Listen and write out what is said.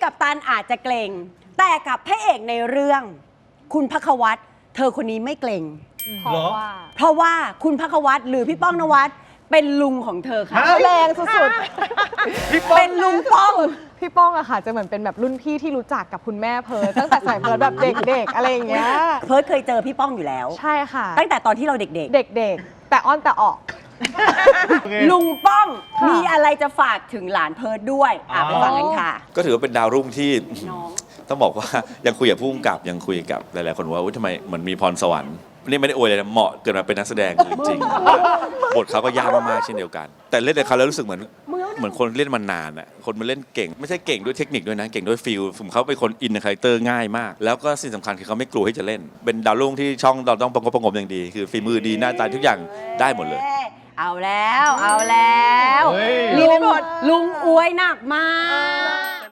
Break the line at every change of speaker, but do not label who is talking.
กัปตันอาจจะเกรงแต่กับพระเอกในเรื่อง คุณภัควัตรเธอคนนี้ไม่เกรง เพราะว่าคุณภัควัตรหรือพี่ป้องนวัดเป็นลุงของเธอค่ะ
แรงสุด
เป็นลุงป้อง
ๆพี่ป้องอะค่ะจะเหมือนเป็นแบบรุ่นพี่ที่รู้จักกับคุณแม่เพิร์ทตั้งแต่สายเพิร์ทแบบเด็กๆอะไรอย่างเงี้ย
เพิร์ทเคยเจอพี่ป้องอยู่แล้ว
ใช่ค่ะ
ตั้งแต่ตอนที่เราเด็ก
เด็กๆ แต่อ้อนแต่ออก
ๆ ลุงป้อง
ค่ะ
มีอะไรจะฝากถึงหลานเพิร์ทด้วยไปฟังกันค่ะ
ก็ถือว่าเป็นดาวรุ่งที่
น้อง
ต้องบอกว่ายังคุยกับผู้กำกับยังคุยกับหลายๆคนว่าทำไมเหมือนมีพรสวรรค์นี่ไม่ได้อวยเลยนะเหมาะเกิดมาเป็นนักแสดงจริงๆบทเขาก็ยากมากๆเช่นเดียวกัน แต่เล่นในเขาแล้วรู้สึกเหมือนคนเล่นมานานอ่ะคนมาเล่นเก่งไม่ใช่เก่งด้วยเทคนิคด้วยนะเก่งด้วยฟีลผมเขาเป็นคนอินในคาแรคเตอร์ง่ายมากแล้วก็สิ่งสำคัญคือเขาไม่กลัวที่จะเล่นเป็นดาวรุ่งที่ช่องเราต้องประกบอย่างดีคือฝีมือดีหน้าตาทุกอย่างได้หมดเลย
เอาแล้วลุงอวยหนักมาก